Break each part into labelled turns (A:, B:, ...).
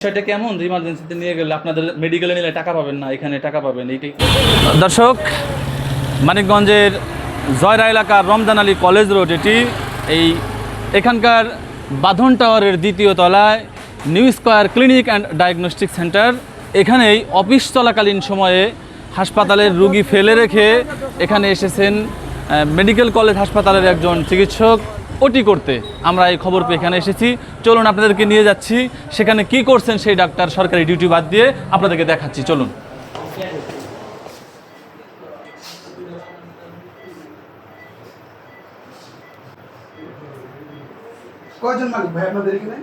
A: বিষয়টা কেমন যে ইমার্জেন্সিতে নিয়ে গেলে আপনাদের মেডিকেলে নিলে টাকা পাবেন না, এখানে টাকা পাবেন এইটাই। দর্শক, মানিকগঞ্জের জয়রা এলাকার রমজান আলী কলেজ রোড এখানকার বাঁধন টাওয়ারের দ্বিতীয় তলায় New Square clinic and diagnostic centre. এখানেই অফিস চলাকালীন সময়ে হাসপাতালের রুগী ফেলে রেখে এখানে এসেছেন মেডিকেল কলেজ হাসপাতালের একজন চিকিৎসক ওটি করতে। আমরা এই খবর পেয়ে এখানে এসেছি। চলুন আপনাদেরকে নিয়ে যাচ্ছি সেখানে কি করছেন সেই ডাক্তার, সরকারি ডিউটি বাদ দিয়ে আপনাদেরকে দেখাচ্ছি। চলুন।
B: কয়জন মালিক ভাই আপনাদের এখানে?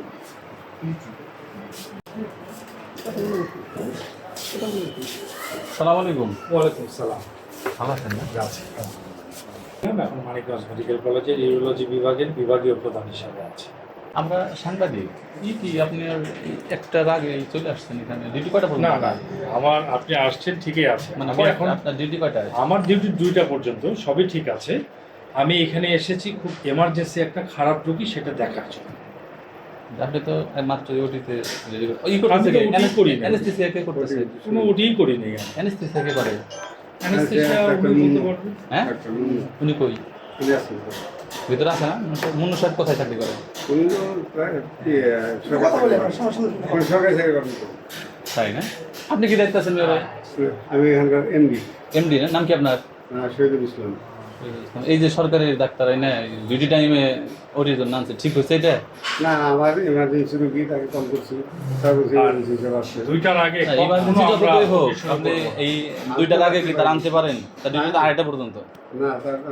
A: আসসালামু আলাইকুম।
C: ওয়ালাইকুম সালাম।
A: ভালো আছেন না?
C: আছি। এখন মানিকগঞ্জ মেডিকেল কলেজের ইউরোলজি বিভাগের বিভাগীয় প্রধান হিসাবে আছে।
A: আমরা সাংবাদিক। কি আপনি একটার আগে চলে আসছেন এখানে? ডিউটি কয়টা পর্যন্ত?
C: না না, আপনি আসছেন ঠিকই আছে।
A: মানে
C: আমি এখন
A: আপনার ডিউটি কয়টায়?
C: আমার ডিউটি 2টা পর্যন্ত, সবই ঠিক আছে। আমি এখানে এসেছি খুব এমার্জেন্সি একটা খারাপ রোগী, সেটা দেখার জন্য।
A: আপনি তো মাত্র ওটিতে
C: অ্যানেস্থেসিয়া কে করতেছে? কোনো ওটিই করিনি।
A: অ্যানেস্থেসিয়া কে করে?
C: অ্যানেস্থেসিয়া উনি বলতে পারবেন।
A: হ্যাঁ, উনি কই? ভিতরে আছে না? মুন্নু সাহেব কোথায় চাকরি করে? তাই না? আপনি কি দায়িত্ব আছেন?
B: আমি এখানকার এমডি।
A: এমডি না? নাম কি আপনার?
B: শহীদুল ইসলাম।
A: এই যে সরকারি ডাক্তার ডিউটি টাইমে ওটির জন্য আনছে, ঠিক হয়েছে এটা?
B: না আমার এমার্জেন্সি রুগী, তাকে কল করছি। সার্ভিস এমার্জেন্সি সেবা আসছে।
C: 2টার আগে
A: ইমার্জেন্সি যতই হোক আপনি এই 2টার আগে কি তার আনতে পারেন? তার ডিউটি তো 2:30 পর্যন্ত
C: না,
B: না,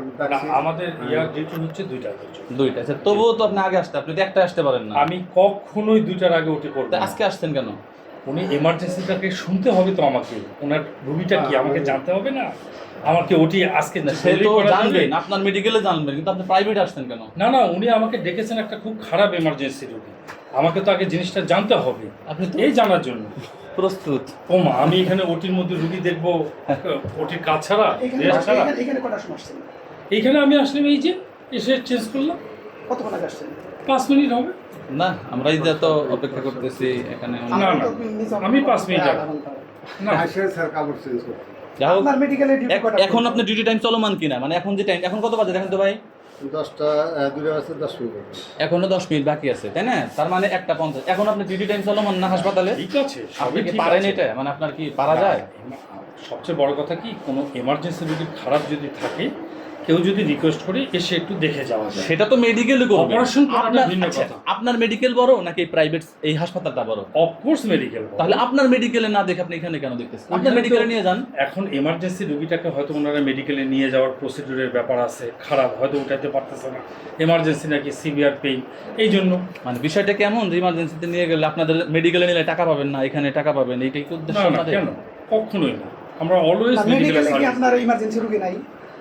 C: আমাদের ইয়ার ডিউটি হচ্ছে 2টা পর্যন্ত।
A: 2টা। আচ্ছা, তবুও তো আপনি আগে আসতে, আপনি তো একটা আসতে পারেন না।
C: আমি কখনোই 2টার আগে ওটি করব না।
A: আজকে আসছেন কেন?
C: উনি এমার্জেন্সিটাকে শুনতে হবে তো আমাকে, ওনার রুগীটা কি আমাকে জানতে হবে না? আমাকে ওটি আজকে
A: সে তো জানবেন, আপনার মেডিকেলে জানবেন, কিন্তু আপনি প্রাইভেট আসছেন কেন?
C: না না, উনি আমাকে ডেকেছেন একটা খুব খারাপ এমার্জেন্সি রুগী, আমাকে তো আগে জিনিসটা জানতে হবে।
A: আপনি তো
C: এই জানার জন্য
A: প্রস্তুত।
C: ওমা, আমি এখানে ওটির মধ্যে রুগী দেখবো, ওটির কাজ ছাড়া, রেস্ট ছাড়া।
B: এখানে কটার সময় আসছেন?
C: এইখানে আমি আসলাম, এই যে এসে চেঞ্জ করলাম।
B: কতক্ষণ আগে আসছেন?
C: 5 মিনিট হবে।
A: না, আমরা এই যে তো অপেক্ষা করতেছি এখানে।
C: না না, আমি 5 মিনিট আগে না।
B: স্যার কাপড় চেঞ্জ করতে।
A: যাই হোক,
B: আপনার মেডিকেলে ডিউটি কটা?
A: এখন আপনার ডিউটি টাইম চলমান কিনা, মানে এখন যে টাইম, এখন কত বাজে দেখেন তো ভাই?
B: 10টা 2টা বাজে 10 মিনিট।
A: এখনো 10 মিনিট বাকি আছে, তাই না? তার মানে 1:50। এখন আপনার ডিউটি টাইম চলমান না হাসপাতালে?
C: ঠিক আছে,
A: আপনি
C: সবই
A: কি
C: ঠিক
A: পারেন
C: আছে।
A: এটা? মানে আপনার কি পারা যায়?
C: সবচেয়ে বড় কথা কি, কোনো এমার্জেন্সি রোগী খারাপ যদি থাকে, কেউ যদি রিকোয়েস্ট করে এসে একটু দেখে যাওয়া যায়।
A: সেটা তো মেডিকেলে করবে।
C: অপারেশন করাটা ভিন্ন
A: আচ্ছা,
C: কথা।
A: আপনার মেডিকেল বড় নাকি প্রাইভেট এই হাসপাতালটা বড়?
C: Of course medical.
A: তাহলে আপনার মেডিকেলে না দেখে আপনি এখানে কেন দেখতেছেন? আপনার মেডিকেলে নিয়ে যান।
C: এখন এমার্জেন্সি রোগীটাকে হয়তো ওনারা মেডিকেলে নিয়ে যাওয়ার প্রসিডিউরের ব্যাপার আছে, খারাপ হয়তো উঠাতে পারতেছে না, এমার্জেন্সি নাকি সিভিয়ার পেইন, এই জন্য।
A: মানে বিষয়টা কেমন যে ইমার্জেন্সিতে নিয়ে গেলে আপনাদের মেডিকেলে নিলে টাকা পাবেন না, এখানে টাকা পাবেন, এইটাই কি উদ্দেশ্য
C: না না,
A: আমাদের?
C: কেন? কখনোই না। আমরা অলওয়েজ
B: মেডিকেলে কি আপনার ইমার্জেন্সি রুগী নাই?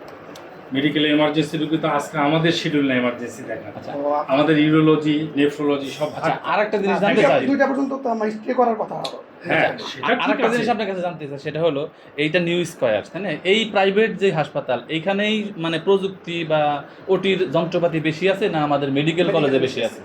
C: মেডিকেলে এমার্জেন্সি রোগী তো আজকে আমাদের শিডিউল না এমার্জেন্সি দেখা।
A: আচ্ছা,
C: আমাদের ইউরোলজি, নেফ্রোলজি সব
A: আচ্ছা, আরেকটা জিনিস জানতে চাই।
B: 2টা পর্যন্ত তো আমার স্টে করার কথা।
C: হ্যাঁ, সেটা ঠিক
A: আরেকটা
C: আছে।
A: জিনিস আপনার কাছে জানতে চাই, সেটা হলো এইটা নিউ স্কয়ার, তাই না? এই প্রাইভেট যে হাসপাতাল, এইখানেই মানে প্রযুক্তি বা ওটির যন্ত্রপাতি বেশি আছে না আমাদের মেডিকেল কলেজে বেশি আছে?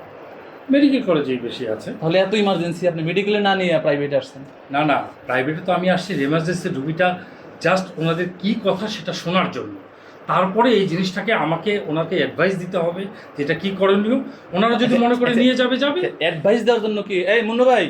C: মেডিকেল কলেজেই বেশি আছে।
A: তাহলে এত ইমার্জেন্সি আপনি মেডিকেলে না নিয়ে প্রাইভেটে আসছেন?
C: না না, প্রাইভেটে তো আমি আসছি এমার্জেন্সি রুগীটা জাস্ট ওনাদের কি কথা সেটা শোনার জন্য। তারপরে এই জিনিসটাকে আমাকে ওনাকে অ্যাডভাইস দিতে হবে যেটা কি করণীয়। ওনারা যদি মনে করে নিয়ে যাবে যাবে।
A: অ্যাডভাইস দেওয়ার জন্য কি এই মুন্নু ভাই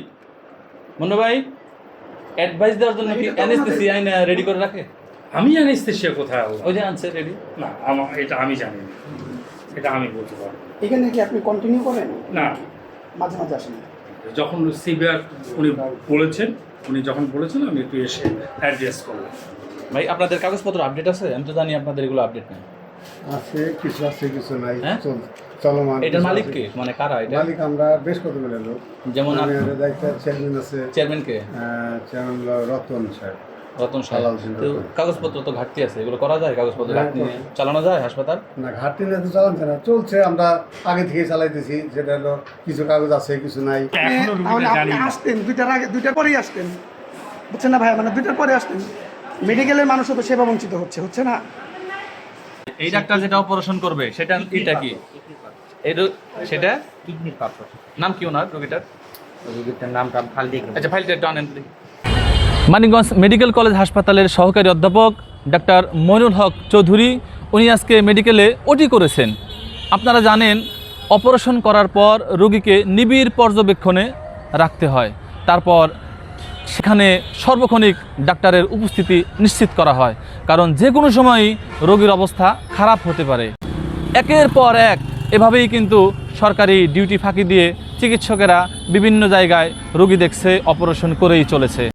A: অ্যাডভাইস দেওয়ার জন্য কি অ্যানেস্থেসিয়া আইনা রেডি করে রাখে?
C: আমি অ্যানেস্থেসিয়া কোথায় আল্লাহ?
A: ওই যে আনছে রেডি।
C: না, এটা আমি জানি না, এটা আমি বলতে পারবো না।
B: এখানে কি আপনি কন্টিনিউ করেন?
C: না,
B: মাঝে মাঝে আসেন?
C: যখন সিভিয়ার উনি যখন বলেছেন আমি একটু এসে অ্যাড্রেস করলাম।
A: ভাই, আপনাদের কাগজপত্র আপডেট আছে? আমি তো জানি আপনাদের এগুলো আপডেট নেই।
B: আছে কিছু নাই।
A: হ্যাঁ?
B: চলমান।
A: এটার মালিক কে? মানে কারা এটা?
B: মালিক আমরা বেশ কতগুলো লোক।
A: যেমন
B: আমাদের দায়িত্ব চেয়ারম্যান আছে।
A: চেয়ারম্যান কে?
B: চেয়ারম্যান রতন সাহেব।
A: রতন সাহেব। তো কাগজপত্র তো ঘাটতি আছে, এগুলো করা যায়? কাগজপত্র ঘাটতি নিয়ে চালানো যায় হাসপাতাল?
B: না, ঘাটতি নিয়ে তো চালাচ্ছে না, চলছে। আমরা আগে থেকে চালাইতেছি, যেটা হলো কিছু কাগজ আছে কিছু নাই।
C: এখনো রুগীটা জানি না।
B: আসতেন 2টার আগে, 2টার পরেই আসতেন, বুঝছেন না ভাই? মানে 2টার পরে আসতেন। মেডিকেলের মানুষও তো সেবা বঞ্চিত হচ্ছে না।
A: এই ডাক্তার যেটা অপারেশন করবে সেটা এটা কি? সেটা কিডনির পাথর। নাম কি ওনার রোগীটার?
D: রোগীটার নামটা ফাইল দিয়ে
A: আচ্ছা, ফাইলটা একটু আনেন please। মানিকগঞ্জ মেডিকেল কলেজ হাসপাতালের সহকারী অধ্যাপক ডাক্তার মইনুল হক চৌধুরী উনি আজকে মেডিকেলে ওটি করেছেন। আপনারা জানেন অপারেশন করার পর রোগীকে নিবিড় পর্যবেক্ষণে রাখতে হয়, তারপর সেখানে সর্বক্ষণিক ডাক্তারের উপস্থিতি নিশ্চিত করা হয়, কারণ যে কোনো সময়ই রোগীর অবস্থা খারাপ হতে পারে। একের পর এক এভাবেই কিন্তু সরকারি ডিউটি ফাঁকি দিয়ে চিকিৎসকেরা বিভিন্ন জায়গায় রোগী দেখছে, অপারেশন করেই চলেছে।